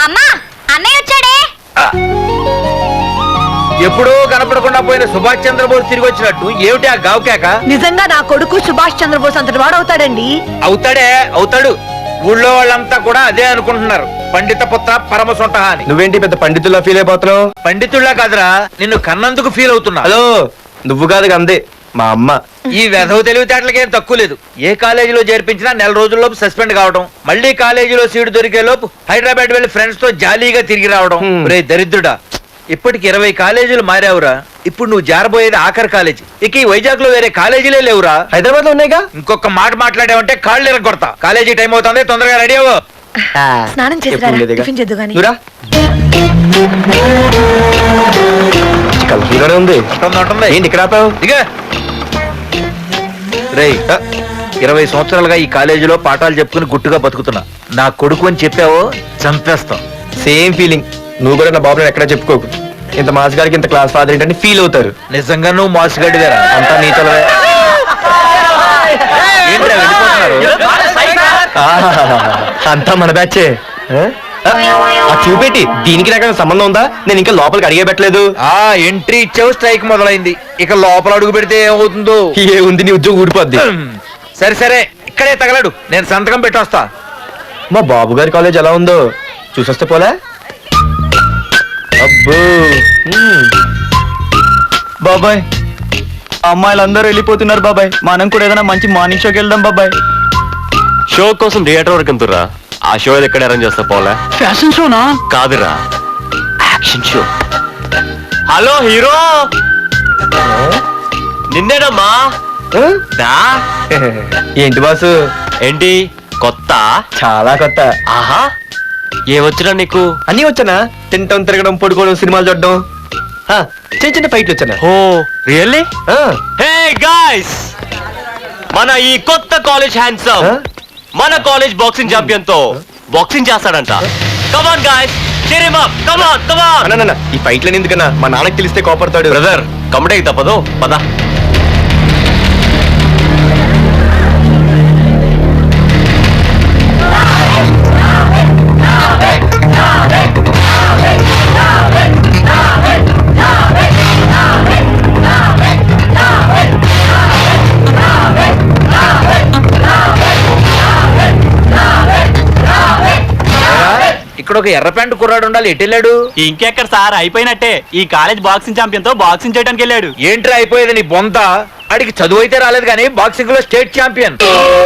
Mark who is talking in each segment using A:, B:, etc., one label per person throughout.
A: అమ్మా అన్నయ్య వచ్చాడే.
B: ఎప్పుడూ కనపడకుండా పోయిన సుభాష్ చంద్రబోస్ తిరిగి వచ్చినట్టు ఏమిటి ఆ గావుకేక?
C: నిజంగా నా కొడుకు సుభాష్ చంద్రబోస్ అంతటి వాడు అవుతాడండి.
B: అవుతాడు. ఊళ్ళో వాళ్ళంతా కూడా అదే అనుకుంటున్నారు. పండిత పుత్ర పరమ సొంట అని.
D: నువ్వేంటి పెద్ద పండితుల్లా ఫీల్ అయిపోతున్నావు?
B: పండితుల్లా కాదురా, నిన్ను కన్నందుకు ఫీల్ అవుతున్నా.
D: హలో, నువ్వు కాదు అందే మా అమ్మ.
B: ఈ వెధవ తెలివితేటలకేం తక్కువ లేదు. ఏ కాలేజీలో చేర్పించినా నెల రోజుల్లోపు సస్పెండ్ కావడం, మళ్ళీ కాలేజీలో సీటు దొరికే లోపు హైదరాబాద్ వెళ్లి ఫ్రెండ్స్ తో జాలీగా తిరిగి రావడం. రే దరిద్రుడా, ఇప్పటికి 20 కాలేజీలు మారావురా. ఇప్పుడు నువ్వు జారబోయేది ఆఖరి కాలేజీ. ఇక ఈ వైజాగ్ లో వేరే కాలేజీలే లేవురా.
D: హైదరాబాద్ లో ఉన్నాయిగా.
B: ఇంకొక మాట మాట్లాడావంటే కాళ్ళు ఎరగొడతా. కాలేజీ టైం అవుతుంది, తొందరగా రెడీ అవ్వు.
C: స్నానం చేసి టిఫిన్ చేద్దు గాని.
D: ఉంది
B: ఏంటి ఇక్కడ ఆపావు? ఇక రేయ్, 20 సంవత్సరాలుగా ఈ కాలేజీలో పాఠాలు చెప్పుకుని గుట్టుగా బతుకుతున్నా. నా కొడుకు అని చెప్పావో చంపేస్తాం.
D: Same feeling. నువ్వు కూడా నా బాబు ఎక్కడా చెప్పుకోకు. ఇంత మాస్ గారికి ఇంత క్లాస్ ఫాదర్ ఏంటని ఫీల్ అవుతారు.
B: నిజంగా నువ్వు మాసుగడ్డివేరా. అంతా నీతలవే. ఏంట్రా వెళ్ళిపోతున్నారు?
D: అంతా మన బ్యాచే. చూపెట్టి దీనికి నాకు సంబంధం ఉందా? నేను ఇంకా లోపలికి అడిగే పెట్టలేదు.
B: ఎంట్రీ ఇచ్చావు, స్ట్రైక్ మొదలైంది. ఇక లోపల అడుగు పెడితే ఏమవుతుందో.
D: ఏ ఉంది, నీ ఉద్యోగం ఊడిపోద్ది.
B: సరే ఇక్కడే తగలడు, నేను సంతకం పెట్టొస్తా.
D: మా బాబు గారి కాలేజ్ ఎలా ఉందో చూసొస్తే పోలే. అబ్బో
E: బాబాయ్, అమ్మాయిలందరూ వెళ్ళిపోతున్నారు బాబాయ్. మనం కూడా ఏదైనా మంచి మార్నింగ్ షోకి వెళ్దాం బాబాయ్.
F: షో కోసం థియేటర్ వరకు ఎంతురా? ఆ షో ఎక్కడ అరేంజ్ చేస్తా పోలే?
E: ఫ్యాషన్ షోనా?
F: కాదురా, యాక్షన్ షో. హలో హీరో, నిన్నేనమ్మా.
D: ఏంటి బాసు?
F: ఏంటి కొత్త?
D: చాలా కొత్త.
F: ఆహా, ఏమొచ్చినా నీకు?
D: అన్నీ వచ్చానా? తింటం, తిరగడం, పడుకోవడం, సినిమాలు చూడడం, చిన్న చిన్న ఫైట్లు వచ్చానా?
F: ఓ రియల్లీ? హే గాయ్స్, మన ఈ కొత్త కాలేజ్ హ్యాండ్సమ్ మన కాలేజ్ బాక్సింగ్ ఛాంపియన్ తో బాక్సింగ్ చేస్తాడంట. Come on guys, cheer him up. Come on.
D: ఈ ఫైట్లని ఎందుకన్నా? మా నాన్నకి తెలిస్తే కోపడతాడు.
F: బ్రదర్, కమడేకి తప్పదు, పద.
B: ఇక్కడ ఒక ఎర్ర ప్యాంటు కుర్రాడు ఉండాలి. ఎటు వెళ్ళాడు?
E: ఇంకెక్కడ సార్, అయిపోయినట్టే. ఈ కాలేజ్ బాక్సింగ్ ఛాంపియన్ తో బాక్సింగ్ చేయడానికి వెళ్ళాడు.
B: ఏంట్రా అయిపోయేది నీ బొంత? అడిగి చదువు అయితే రాలేదు కానీ బాక్సింగ్ లో స్టేట్ ఛాంపియన్.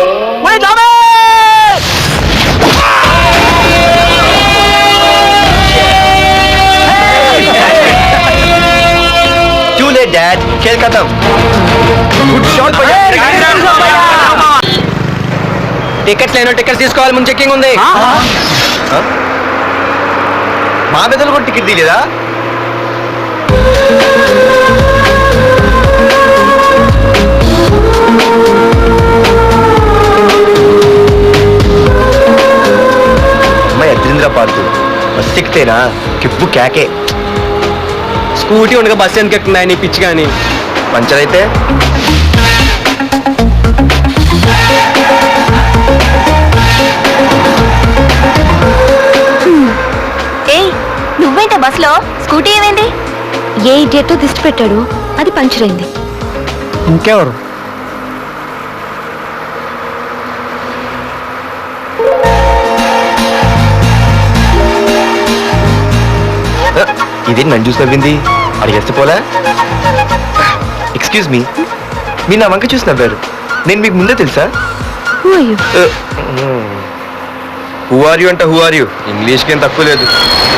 D: డాడ్, ఖేల్ ఖతం. టికెట్స్ లేనో టికెట్స్ తీసుకోవాలి, ముందు చెక్కింగ్ ఉంది. మా పెద్దలు కూడా టికెట్ తీయలేదా? అమ్మాయి అద్రింద్ర పార్తు బస్ ఎక్కితేనా కిప్పు కేకే. స్కూటీ ఉండగా బస్సు ఎందుకు ఎక్కుతున్నాయి నీ పిచ్చి కానీ? పంచర్ అయితే
A: నువ్వేంట బస్ లో? స్కూటీ ఏమైంది?
C: ఏ ఇడియట్ దిష్టి పెట్టాడు, అది పంచర్ అయింది.
E: ఇంకెవరు?
D: ఇదేంటి నన్ను చూసి నవ్వింది? అడిగేస్తే పోలే. ఎక్స్క్యూజ్ మీ, మీరు నా వంక చూసి నవ్వారు. నేను మీకు ముందే తెలుసా? హూ ఆర్ యూ అంట హూ ఆర్ యూ? ఇంగ్లీష్కి ఏం తక్కువ లేదు.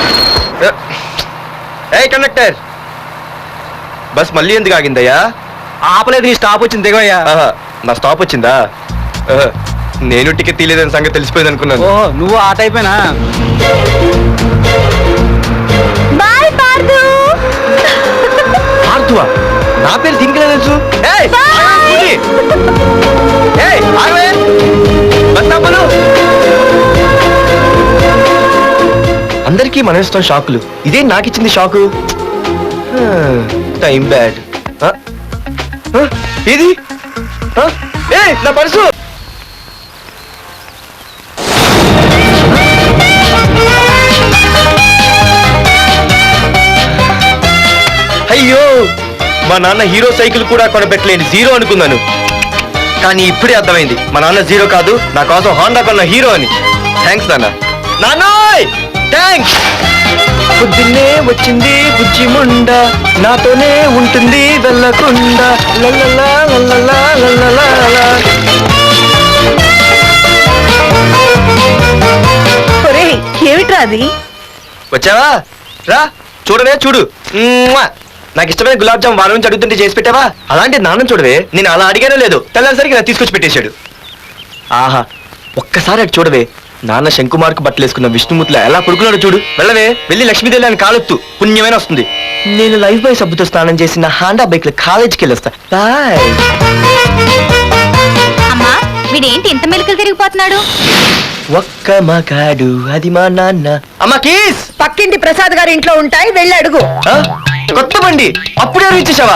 D: ఏ కండక్టర్, బస్ మళ్ళీ ఎందుకు ఆగిందయ్యా?
E: ఆపలేదు, నీ స్టాప్ వచ్చింది, దిగయ్యా.
D: నా స్టాప్ వచ్చిందా? నేను టికెట్ తీయలేదని సంగతి తెలిసిపోయింది అనుకున్నాను.
E: ఓ, నువ్వు ఆ టైపేనా?
A: బాయ్ పార్దు.
D: పార్థువా? నా పేరు దీనికి తెలుసు. అందరికీ మనం ఇస్తాం షాకులు, ఇదే నాకు ఇచ్చింది షాకు. Time bad. ఇది నా పర్సు. మా నాన్న హీరో సైకిల్ కూడా కొనబెట్టలేని జీరో అనుకున్నాను. కానీ ఇప్పుడే అర్థమైంది మా నాన్న జీరో కాదు, నా కోసం హోండా కొన్న హీరో అని. థ్యాంక్స్ నాన్న. నాన్నోయ్ థ్యాంక్స్. పొద్దున్నే వచ్చింది బుజ్జి ముండ, నాతోనే ఉంటుంది వెళ్ళకుండా. లల్లలా లల్లలా లల్లలా.
C: ఏమిట్రా అది?
D: వచ్చావా? రా చూడవే చూడు. మ్మ్వా. నాకు ఇష్టమైన గులాబ్ జామ్ వారం నుంచి అడుగుతుంటే చేసి పెట్టావా? అలాంటి నాన్న చూడవే, నేను అలా అడిగానో లేదు, తెల్లారిసరికి నాకు తీసుకొచ్చి పెట్టేశాడు. ఆహా ఒక్కసారి అటు చూడవే, నాన్న శంకుమార్కు బట్టలు వేసుకున్న విష్ణుమూర్తిలో ఎలా పడుకున్నాడు చూడు. వెళ్ళవే, వెళ్ళి లక్ష్మీదేవి అని కాలొత్తు, పుణ్యమైన వస్తుంది. నేను లైఫ్ బాయ్ సబ్బుతో స్నానం చేసి నా హాండా బైక్ లో కాలేజీకి వెళ్ళొస్తా. బాయ్.
A: అమ్మా వీడేంటి ఇంత మెలికలు తిరిగిపోతున్నాడు?
D: ఒక్క మగాడు అది మా నాన్న. అమ్మా కీస్.
C: పక్కింటి ప్రసాద్ గారి ఇంట్లో ఉంటాయి, వెళ్ళి అడుగు.
D: ఆ? కొత్త బండి అప్పుడే ఇచ్చేసావా?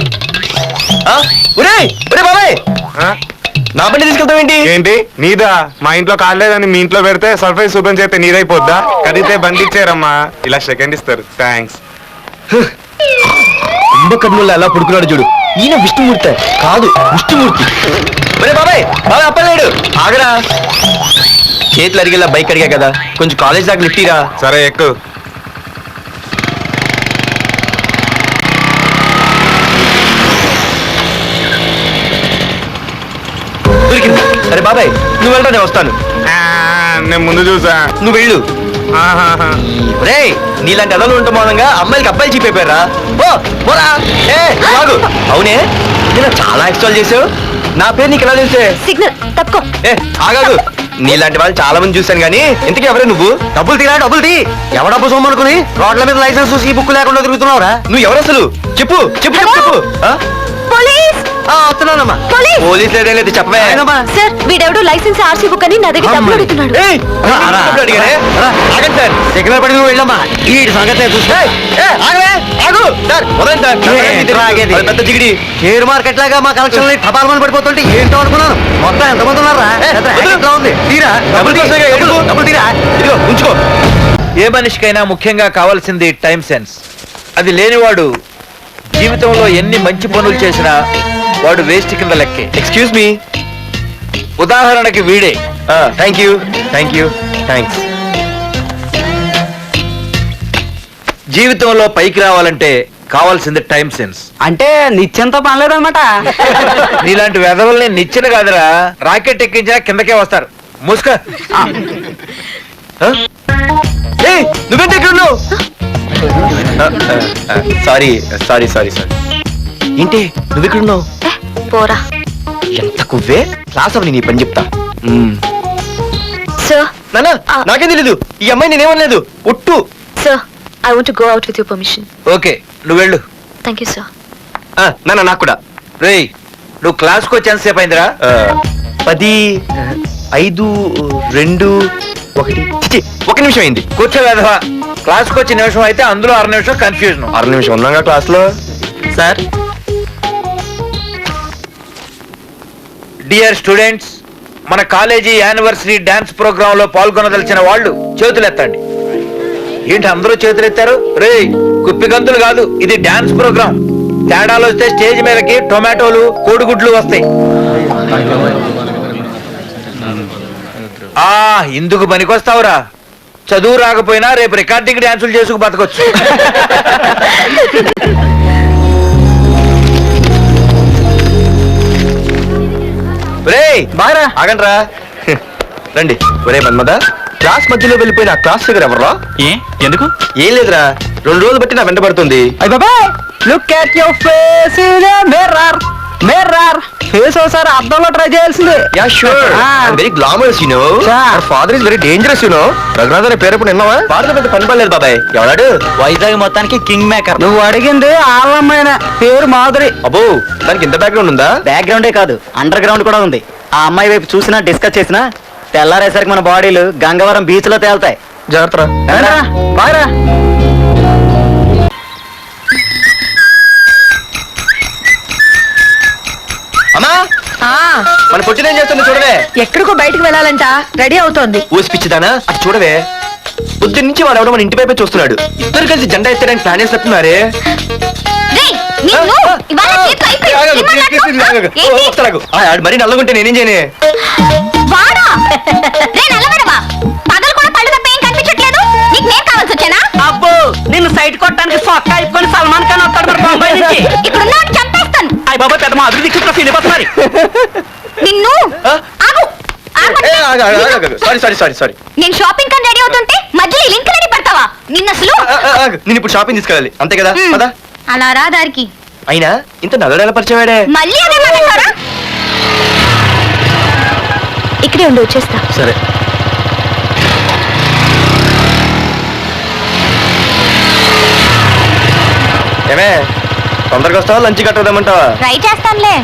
D: ఒరే ఒరే బాబాయ్, నా బండి తీసుకెళ్తావేంటి?
G: ఏంటి నీదా? మా ఇంట్లో కాలేదని మీ ఇంట్లో పెడితే సర్ప్రైజ్ శుభ్రం చేస్తే నీదైపోద్దా? కడిగితే బండి ఇచ్చారమ్మా, ఇలా సెకండ్ ఇస్తారు. థ్యాంక్స్.
D: కుంభకర్ణుల్లో ఎలా పడుకున్నాడు చూడు. ఈయన విష్ణుమూర్తి కాదు, విష్ణుమూర్తి. ఒరే బాబాయ్, బాబాయ్ అప్పలేడు, ఆగరా. చేతులు అడిగేలా బైక్ అడిగా కదా, కొంచెం కాలేజ్ దాకా లిఫ్టీరా.
G: సరే ఎక్కు.
D: దొరికింది. సరే బాబాయ్ నువ్వు వెళ్ళరా, నేను వస్తాను.
G: నేను ముందు చూసా.
D: నువ్వు వెళ్ళు.
G: ఆహాహా.
D: రే నీలాంటి అదలు ఉండటం మూలంగా అమ్మాయిలకి అబ్బాయిలు చీపైపోయారా? పోరా. ఏ ఆగు. అవునే, నేను చాలా ఎక్స్ట్రాల్ చేసావు. నా పేరు నీకు ఎలా తెలిసే?
C: సిగ్నల్ తప్పుకో.
D: ఏ ఆగాదు. నీలాంటి వాళ్ళు చాలా మంది చూశాను కానీ ఇంతకీ ఎవరే నువ్వు? డబ్బులు తీరా, డబ్బులు తీ. ఎవడ డబ్బు సొమ్మనుకుని రోడ్ల మీద లైసెన్స్ చూసి బుక్ లేకుండా తిరుగుతున్నావురా? నువ్వు ఎవరు అసలు? చెప్పు చెప్పు చెప్పు చెప్పు.
C: పోలీస్
D: వస్తున్నానమ్మా.
C: పోలీస్.
D: పోలీస్ లేదేం లేదు, చెప్పవే.
C: సార్ వీడెవడో లైసెన్స్ ఆర్సీ బుక్ అని నా దగ్గర డబ్బులు అడుగుతున్నాడు.
D: ఏయ్, డబ్బులు అడిగానే? ఆగండి సార్. సిగ్నల్ పడి నువ్వు వెళ్ళమ్మా. ఈ సంగతే చూస్తే ఆగవే, ఆగు సార్. వదండి సార్. అది పెద్ద జిగిడి. షేర్ మార్కెట్ లాగా మా కలెక్షన్ టపాల్మని పడిపోతుంటే ఏంటో అనుకున్నాను. మొత్తం ఎంతమంది ఉన్నారా? ఉంది. తీరా డబ్బులు తీరా, డబ్బులు తీరా. ఇదిగో ఉంచుకో.
B: ఏ మనిషికైనా ముఖ్యంగా కావాల్సింది టైం సెన్స్. అది లేనివాడు జీవితంలో ఎన్ని మంచి పనులు చేసినా వాడు వేస్ట్ కింద లెక్కే.
D: Excuse me.
B: ఉదాహరణకి వీడే.
D: Thank you thank you thanks.
B: జీవితంలో పైకి రావాలంటే కావాల్సింది టైం సెన్స్.
E: అంటే నిత్యంతో పనిలేదన్నమాట.
B: నీలాంటి వెధవల్ని నిచ్చిన కాదురా, రాకెట్ ఎక్కించినా కిందకే వస్తారు. ముసుక.
D: నువ్వేంటి ఇక్కడ ఉన్నావు? Sorry sorry sorry sorry. ఏంటి నువ్వు ఇక్కడ ఉన్నావు?
C: పోరా.
D: ఎంత కువ్వే. క్లాస్ అవని నీ పని చెప్తా.
C: సార్
D: నానా నాకేం తెలీదు, ఈ అమ్మాయి నేనేమనలేదు, ఒట్టు.
C: Sir I want to go out with your permission.
B: Okay నువ్వు వెళ్ళు.
C: Thank you sir.
D: నానా నాకు కూడా.
B: రేయ్ నువ్వు క్లాస్కి వచ్చి ఎంతసేపు అయిందిరా?
D: 10, 5, 2, 1. ఒక నిమిషం అయింది.
B: కూర్చో వెధవా. క్లాస్కి వచ్చి నిమిషం అయితే అందులో 6 నిమిషం కన్ఫ్యూజన్.
D: 6 నిమిషం ఉన్నాగా క్లాస్ లో.
E: సార్
B: డియర్ స్టూడెంట్స్, మన కాలేజీ యానివర్సరీ డాన్స్ ప్రోగ్రామ్ లో పాల్గొనదలిచిన వాళ్ళు చేతులెత్తండి. ఏంటి అందరూ చేతులెత్తారు? రేయ్ కుప్పి గంతులు కాదు, ఇది డాన్స్ ప్రోగ్రామ్. తేడాలు వస్తే స్టేజ్ మీదకి టొమాటోలు కోడిగుడ్లు వస్తాయి. ఇందుకు పనికొస్తావురా. చదువు రాకపోయినా రేపు రికార్డింగ్ డాన్సులు చేసుకు బతకొచ్చు.
D: బాగా ఆగండ్రా. రండి. ఒరే మన్మద, క్లాస్ మధ్యలో వెళ్ళిపోయిన ఆ క్లాస్ దగ్గర ఎవర్రా?
E: ఎందుకు?
D: ఏం లేదురా, 2 రోజులు బట్టి నా వెంట పడుతుంది.
E: Look at your face in a mirror. Mirror face ఒకసారి అద్దంలో ట్రై చేయాల్సిందే.
D: Yeah sure. I'm very glamorous you know. Our father is very dangerous you know. Raghunath అనే పేరు ఎప్పుడు విన్నావా? ఫాదర్ పెద్ద పని పడలేదు బాబాయ్. ఎవడాడు?
E: వైజాగ్ మొత్తానికి కింగ్ మేకర్. నువ్వు అడిగింది ఆళ్ళమ్మైన పేరు మాధురి.
D: అబ్బో, దానికి ఇంత బ్యాక్గ్రౌండ్ ఉందా?
E: బ్యాక్గ్రౌండే కాదు, అండర్ గ్రౌండ్ కూడా ఉంది. ఆ అమ్మాయి వైపు చూసినా డిస్కస్ చేసినా తెల్లారేసరికి మన బాడీలు గంగవరం బీచ్ లో తేలుతాయి.
D: జాగ్రత్త.
E: బాగా
D: అమ్మా, మన పొట్టిన ఏం చేస్తుంది చూడవే.
C: ఎక్కడికో బయటకు వెళ్ళాలంట, రెడీ అవుతోంది.
D: ఊసి పిచ్చిదానా, అది చూడవే. పొద్దున్న నుంచి వాడు ఎవడో మన ఇంటి వైపే చూస్తున్నాడు. ఇద్దరు కలిసి జెండా ఎత్తడానికి ప్లాన్ చేస్తున్నారే.
A: రేయ్ నిన్ను ఇవాళ చేతిలో అయిపోయింది. ఏంటి?
D: మరి నల్లగుంటే నేనేం చేయనే
A: వాడా? రే నల్లవడవా, పగలు కూడా కళ్ళు తప్ప ఏం కనిపించట్లేదు. నీకు నేను కావాల్సి వచ్చానా?
E: అబ్బో నిన్ను సైట్ కొట్టడానికి సొక్క అయిపోయి సల్మాన్ ఖాన్ వస్తాడు మరి బొంబాయి నుంచి.
A: ఇక్కడ ఉన్న చంపేస్తాను
E: అయ్య బాబా పెద్ద మా అభివృద్ధి చుట్టూ ఫీల్ అయిపోతున్నారు.
A: నిన్ను. ఆగు.
D: సారీ
A: నేను షాపింగ్ కని రెడీ అవుతుంటే మధ్యలో లింక్ రెడీ పడతావా? నిన్న అసలు
D: నేను ఇప్పుడు షాపింగ్ తీసుకెళ్ళాలి అంతే కదా పదా
A: అలా రా దారికి.
D: అయినా ఇంత నల్లడేలా పరిచయవాడే
A: మళ్ళీ అదే మాట్లాడతారా?
C: ఇక్కడే ఉండి వచ్చేస్తా.
D: సరే ఏమే తొందరగా వస్తావా లంచ్ కట్టదామంటావా
A: ట్రై చేస్తానులే.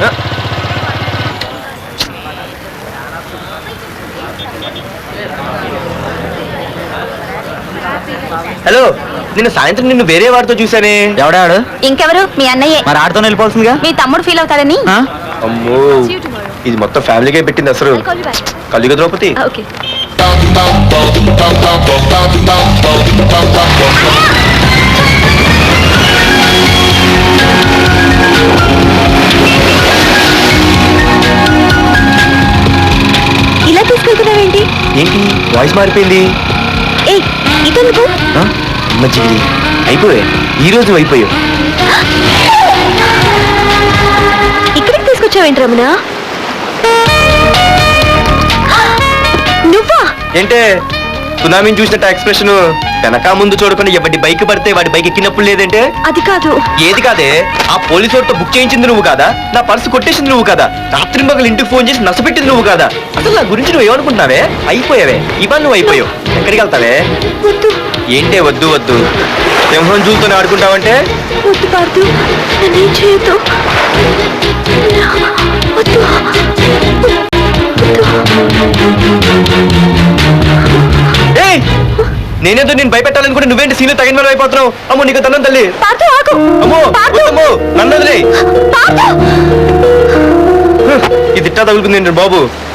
D: హలో నిన్న సాయంత్రం నిన్ను వేరే వాడితో చూసానే
E: ఎవడాడు?
A: ఇంకెవరు? మీ అన్నయ్యే.
E: మరి ఆడుతో వెళ్ళిపోతుందిగా.
A: మీ తమ్ముడు ఫీల్ అవుతాడని.
E: ఆ?
D: అమ్మో ఇది మొత్తం ఫ్యామిలీకే పెట్టింది అసలు కలియుగ ద్రౌపది
C: ఓకే. ఇలా తీసుకెళ్తున్నావేంటి?
D: ఏంటి వాయిస్ మారిపోయింది
C: ఏ ఇదెందుకు?
D: మజ్జిగి అయిపోయా ఈ రోజు అయిపోయావు
C: ఇక్కడికి తీసుకొచ్చావేంటి రమణ? నువ్వా?
D: ఏంటే సునామీని చూసినట్టు ఎక్స్ప్రెషన్ వెనక ముందు చూడకుండా ఎవరి బైక్ పడితే వాడి బైక్ ఎక్కినప్పుడు లేదంటే
C: అది కాదు.
D: ఏది కాదే ఆ పోలీసు వాడితో బుక్ చేయించింది నువ్వు కాదా నా పర్సు కొట్టేసింది నువ్వు కాదా రాత్రి మగలు ఇంటికి ఫోన్ చేసి నష్టపెట్టింది నువ్వు కాదా అసలు నా గురించి నువ్వు ఏమనుకుంటున్నావే అయిపోయావే ఇవాళ నువ్వు అయిపోయావు ఎక్కడికి వెళ్తావే
C: వద్దు
D: ఏంటే వద్దు వద్దు సింహం జూలతోనే ఆడుకుంటావంటే
C: వద్దు పార్దు, నన్నేం చేయొద్దు. వద్దు
D: ఏయ్ నేనేదో నేను భయపెట్టాలనుకుంటే నువ్వేంటి సీన్లు తగిన వాళ్ళు అయిపోతున్నావు అమ్మో నీకు తన్నం తల్లి
C: పార్దు ఆగు.
D: అమ్మో
C: పార్దు,
D: వద్దమ్మో నన్ను వదిలేయ్.
C: పార్దు.
D: ఇది ఇట్టా తగులుకుంది బాబు